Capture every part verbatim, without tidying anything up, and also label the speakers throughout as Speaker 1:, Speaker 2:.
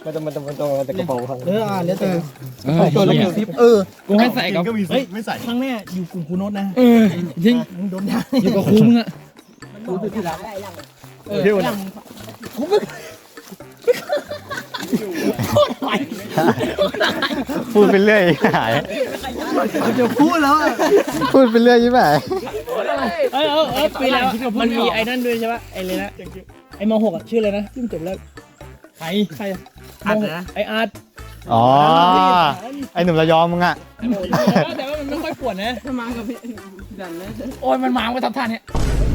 Speaker 1: มันจะมันจะมันจะมันจะกระเป๋าครับ
Speaker 2: เอออ่าแล้วแต่
Speaker 1: ตัวละสิบเออ
Speaker 3: กูให้ใส่กับ
Speaker 2: เฮ้ยไม่ใส่ครั้งแรกอยู่กลุ่มคูโนตนะ
Speaker 3: เออจริง
Speaker 2: มึงโดนด่า
Speaker 3: อยู่กับครูมึงอะ
Speaker 2: เออเดี๋ยวนะกูไม่
Speaker 4: พูดไปเรื่อยหาย
Speaker 2: จะพูดแล้ว
Speaker 4: พูดไปเรื่อยใช่ไหม
Speaker 3: เออเออเออปีแล้วมันมีไอ้นั่นด้วยใช่ปะไอ้เลยนะไอ้มหกอะชื่ออะไรนะที่มันจบแล้วใครใครอาร์ตนะไออาร์ต
Speaker 4: อ๋อไอหนุ่มระยองมึงอะ
Speaker 3: แต่ว่ามันไม่ค่อยปวดนะถ้ามากับพี่ดันนะโอ้ยมันมาก็ทับท่านเนี่ย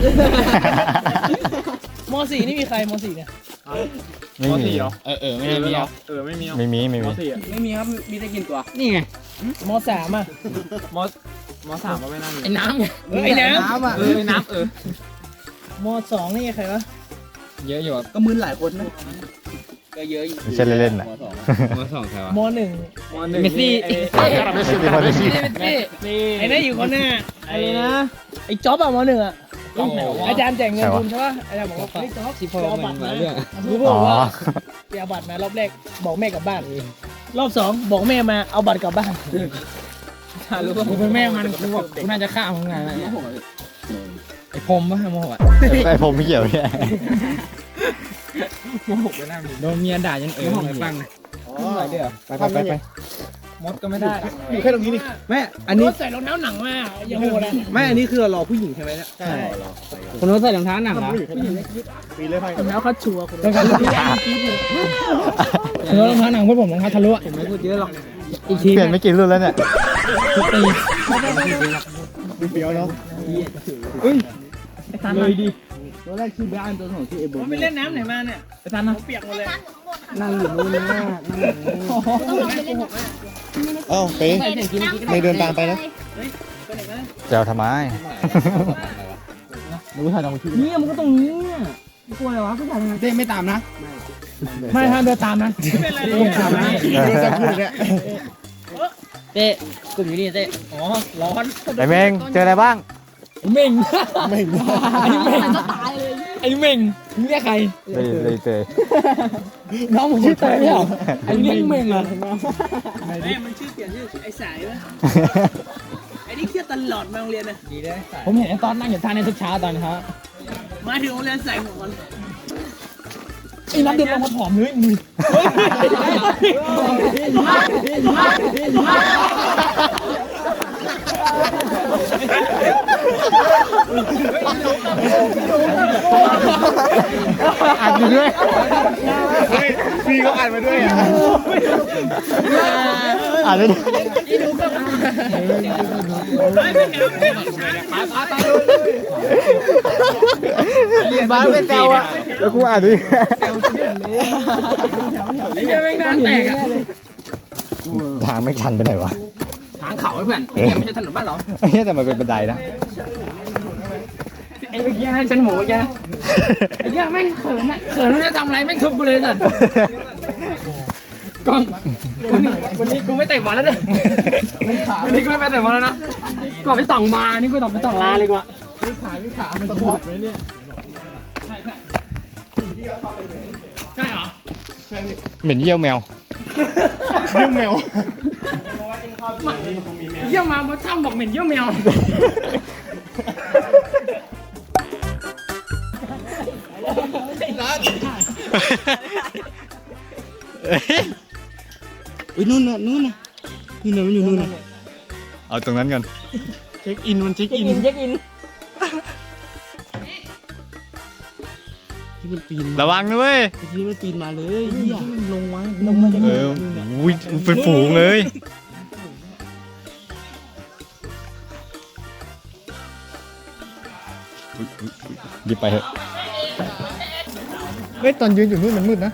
Speaker 3: มสี่นี่มีใครมสี่เนี่ย
Speaker 4: ไม่มี
Speaker 3: เออเออไม่มีอ่ะ
Speaker 1: เออไม่มี
Speaker 4: ไม่มีไม่มี
Speaker 3: ไม่มีครับมีได้กินตัวนี่ไงมสามอ่ะ
Speaker 1: มอสมอสามก็ไม่น่ามี
Speaker 3: ไอ้น้ำไงไอ้น้ำ
Speaker 2: น้ำอ่ะ
Speaker 1: เออน้ำเออ
Speaker 3: มสองนี่ใครวะ
Speaker 1: เยอะอยู่
Speaker 2: ก็มึนหลายคนนะ
Speaker 3: ก็เยอะอยู่
Speaker 4: ไม่ใช่เล่นๆนะ
Speaker 1: มอสองใครวะ
Speaker 3: มหนึ่ง
Speaker 1: มอหนึ่ง
Speaker 3: เมสซี่
Speaker 4: ไม่ใช่ที่พอดี
Speaker 3: ไอ้นั่นอยู่คนหน้าไอ้นะไอ้จ๊อบอะมหนึ่งอะอาจารย์แจกเงินทุนใช่ป่ะอาจารย์บอกว่าเฮ้ยจ๊อบสิพอบัตรมารู้
Speaker 4: อ๋
Speaker 3: ป่า
Speaker 4: อ
Speaker 3: ว่าไปเอาบัตรมารอบแรกบอกแม่กลับบ้านรอบสองบอกแม่มาเอาบัตรกลับบ้านรู้ป่ะกูเป็นแม่มันกูบอกกูน่าจะฆ่ามึงไงไอ้พรมป่ะโมโหอะ
Speaker 4: ไอผมไม่เกี่ยวเนี่ย
Speaker 3: โมโหไปหน้าโดนเมียด่ายังเอ๋อไปฟังเลย
Speaker 1: อะไรเดี๋ยว
Speaker 4: ไปไปไป
Speaker 1: มดก็ไม่ได้
Speaker 2: อยู่แค่ตรงนี้นี่แม่อันนี้
Speaker 3: ใส่รองเท้าหนังมาอย่าโหดเลย
Speaker 2: แม่อันนี้คือรอผู้หญิงใช่ไหมเนี่ยใช่
Speaker 3: คนนู้นใส่รองเท้าหนังเหรอ
Speaker 2: ปีเลยไป
Speaker 3: รองเท้าคัดชัวร์รองเท้ารองเท้าหนังพวกผมรองเท้าทะลุอะ
Speaker 2: ไม่พูดเยอะหรอก
Speaker 3: อีกที
Speaker 4: เปลี่ยนไม่กี่รุ่นแล้วเนี่ย
Speaker 3: ตี
Speaker 2: ดูเปียวเนาะ
Speaker 3: ไอ้ทันเลยดิ
Speaker 2: ตัวแรกชื่อบ้านตัวสองชื่อเอโบ
Speaker 3: ไปเล่นน้ำไหนมาเนี่ยไอ้ทันนะเปียกหมดเลย
Speaker 2: นั่งอยู่นู่นนะนั่งอยู่นู่นเอ้าไปไม่เดินตามไปนะ
Speaker 4: จะเอาทำไม
Speaker 2: รู้ถ่ายตรงที่
Speaker 3: นี่มันก็ตรงนี้กลัวอะไรวะผู้ชาย
Speaker 2: เต้ไม่ตามนะ
Speaker 3: ไม่ห้ามเดินตามนะไม่เป็นไรเลยตามนะ
Speaker 2: เดินตามพูดเนี่ย
Speaker 3: เต้กลุ่มอยู่นี่เต้อ๋อร้อน
Speaker 4: ไอเมงเจออะไรบ้าง
Speaker 3: เม่ง
Speaker 2: ไม่
Speaker 3: ไอ้เม่งไอ้เม่งมึงเรียกใคร
Speaker 4: เลยเลยเจอ
Speaker 3: น้องผมชื่อเตยเหรอไอ้เม่งเม่งเหรอแม่มันชื่อเปลี่ยนชื่อไอ้สายไหมไอ้นี่เครียดตลอดมาโรงเรียนนะดีได้ผมเห็นไอ้ตอนนั่งอยู่ท่านี้ทุกเช้าตอนเช้ามาถึงโรงเรียนใส่หมวกไอ้นักเดินลงมาผอมเลยมึง
Speaker 4: อ่านอยู่ด้วย
Speaker 2: พี่ก็อ่านมาด้วยอ่ะ
Speaker 4: อ่านด้วยบ้านไม่เจ้าอ่ะแล้วกูอ่านด้วย
Speaker 3: ไอ้เหี้ยแม่งหน้าแตกอะ
Speaker 4: ทางไม่ชันไปไหนวะ
Speaker 3: ทางเขาไอ้เพื่อนไม่ใช่ถนนบ้านเรา
Speaker 4: เฮ้ยแต่มันเป็นบันไดนะ
Speaker 3: ไอ้เมื่อกี้ให้ฉันหมูเมื่อกี้ไอ้เหี้ยแม่งเขินอะเขินไม่ได้ทำอะไรแม่งทุบกูเลยสัตว์กล้องวันนี้วันนี้กูไม่เตะบอลแล้วเนี่ยวันนี้กูไม่ไปเตะบอลแล้วนะก่อนไปต่องมานี่กูต่องไปต่องลาเลยกว่า
Speaker 2: มันปวดไหมเนี่ย
Speaker 3: ใช่เหรอ
Speaker 4: เหม็นเยี่ยวแมว
Speaker 2: เรื่องแมว
Speaker 3: เยี่ยมมาเมื่อช่างบอกเหม็นเยี่ยมแมว
Speaker 2: อุ้ยนู่นน่ะนู่นน่ะนู่นน่ะมันอยู่นู่นน่ะ
Speaker 4: เอาตรงนั้นกัน
Speaker 2: เช็คอินมันเช็คอิน
Speaker 3: เช็คอิน
Speaker 2: ที่มันปีน
Speaker 4: ระวังนะเว้ย
Speaker 2: ที่มันปีนมาเลยเหี้ยลงมาลงมา
Speaker 4: เอออุ้ยเป็นฝูงเลยอุ๊ยอุ๊ยอุ๊ยรีบไปเถอะเฮ้ยตอนยืนอยู่นู่นมันมืดนะ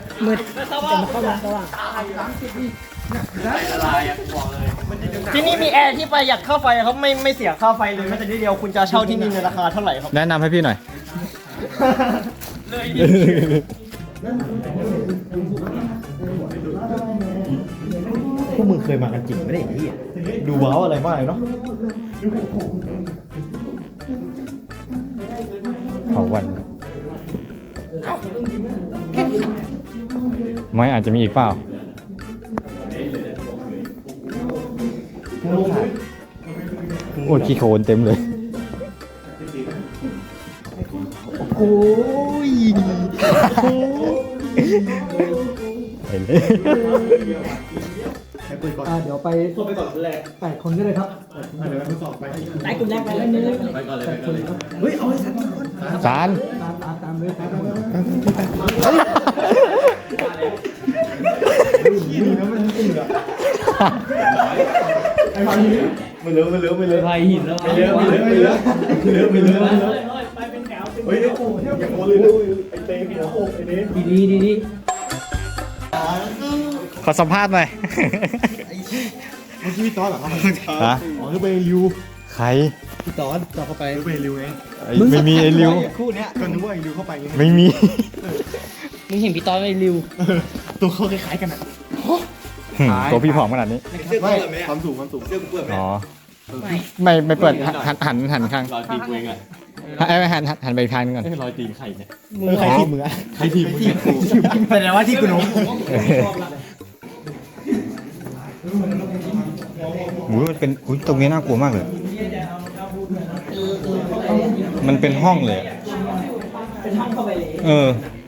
Speaker 1: ที่นี่มีแอร์ที่ประหยัดค่าไฟครับไม่ไม่เสียค่าไฟเลยแม้แต่นิดเดียวคุณจะเช่าที่นี่ในราคาเท่าไหร่ครับ
Speaker 4: แนะนำให้พี่หน่อย
Speaker 1: พวกมึงเคยมากันจริงไม่ได้ที่ดูว้าวอะไรมากเลยเนาะ
Speaker 4: เผาวัน
Speaker 5: ไม่อาจจะมีอีกเปล่าโอ้ยขี้โคลนเต็มเลยโอ้ยเห็นเลย
Speaker 3: เดี๋ยวไปไปก่อนคนแรกแปดคนก็เลยครับ
Speaker 1: ไล่กลุ่มแรกไปเล่นเล่น
Speaker 3: ไปก่อนเลยไปก่อนเลยเฮ้ยเอาไอ้สัตว์ก่อน
Speaker 5: จาน
Speaker 3: ตามตามตามเลยตามเลย
Speaker 2: ไม่เลือไม่เลือไม่เลือ
Speaker 3: ไปหินแล้ว
Speaker 2: ไม่เลือไม่เลือไม่เลือไม่เลือไม่เลือ
Speaker 1: ไปเป็นแถว
Speaker 2: เฮ้ยไอ้กูอย่างโอเลยไอ้เต้หัวโอกไอ้เต้
Speaker 3: ดีดีดีดี
Speaker 5: ขอสัมภาษณ์หน่อย
Speaker 2: เมื่อกี้พี่ต๊อดเหรอครับ
Speaker 5: ฮะ
Speaker 2: อ๋อคือไปริว
Speaker 5: ใคร
Speaker 2: พี่ต๊อดต่อเข้าไปไปริวไง
Speaker 5: ไอ้ไม่มีไอ้ริว
Speaker 2: คู่เนี้ยก็นึกว่าไอ้ริวเข้าไปไง
Speaker 5: ไม่มี
Speaker 3: มึงเห็นพี่ต้อยไอ้ริว
Speaker 2: ตัวเขาคล้ายๆกันอ่ะ
Speaker 5: ตัวพี่ผอมขนาดนี้
Speaker 2: ไม่ความสูงความสูงเสื้อกูเปื้อนไหม
Speaker 5: อ๋อ ไม่ไม่เปิดหันหันหันข้าง
Speaker 2: รอยตีกูเองอ่ะ
Speaker 5: ไอ้หันหันหันไปอีกทางนึงก่อน
Speaker 2: รอยตีใครเนี่ย
Speaker 5: เออใครทีมมึงอะ
Speaker 2: ใครทีมมึงเนี่ย
Speaker 1: แสดงว่าที่กูน้อง
Speaker 5: โอ้ยมันเป็นอุ้ยตรงนี้น่ากลัวมากเลย มันเป็นห้องเลยอะ
Speaker 1: เป็นห้องเข้าไปเลย
Speaker 5: เออ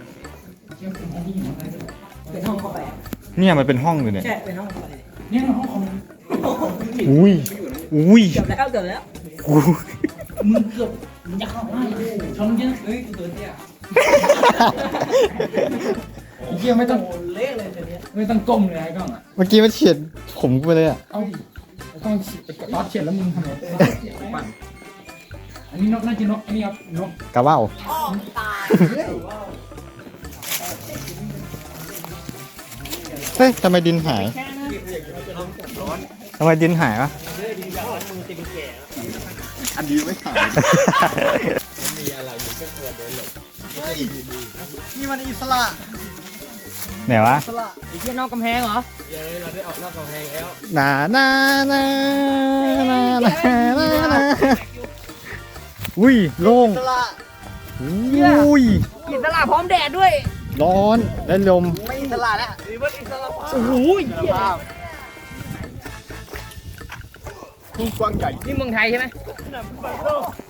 Speaker 1: เป็นห้องเข้าไป
Speaker 5: เนี่ยมันเป็นห้องเลยเนี่ย
Speaker 1: ใช่เป็นห้องเข้าไป
Speaker 3: เนี่ยห้องคอม
Speaker 5: อุ้ย อุ้ย
Speaker 1: เกือบแล้วเกือบแล้ว
Speaker 5: อุ้ย
Speaker 3: มึงเกือบมึงจะเข้ามาชนยังเฮ้ยตัวเตี้ยไอ้เหี้ยไม่ต้อง
Speaker 1: เละเลยเดี๋ยวนี้
Speaker 3: ไม่ต้องก้มเลยไอ้กล้องอ่ะ
Speaker 5: เมื่อกี้มันเฉียดผมกูไปเลยอ่ะ
Speaker 3: เอาดิต้องตอดเฉียดแล้วมึงทำไงปั่นอันนี้นกน่าจะนกอันนี้ครับนก
Speaker 5: กระว่าวเฮ้ยทำไมดินหายทำไมดินหายวะ
Speaker 2: อันดีไม่ขาย
Speaker 1: นี่มันอิสระ
Speaker 5: ไหนวะ
Speaker 1: ไอ้เหี้ยนอกกำแพงเหรอ
Speaker 5: นานานานานานานาอุ้ยโล่ง
Speaker 1: อิสระ
Speaker 5: อุ้ย
Speaker 1: อิสระพร้อมแดดด้วย
Speaker 5: ร้อนและลม
Speaker 1: ไม่อิสระแล้วนี่มันอิสระโอ้โหเหี้ย
Speaker 2: กว้างใหญ่
Speaker 1: นี่เมืองไทยใช่ไหม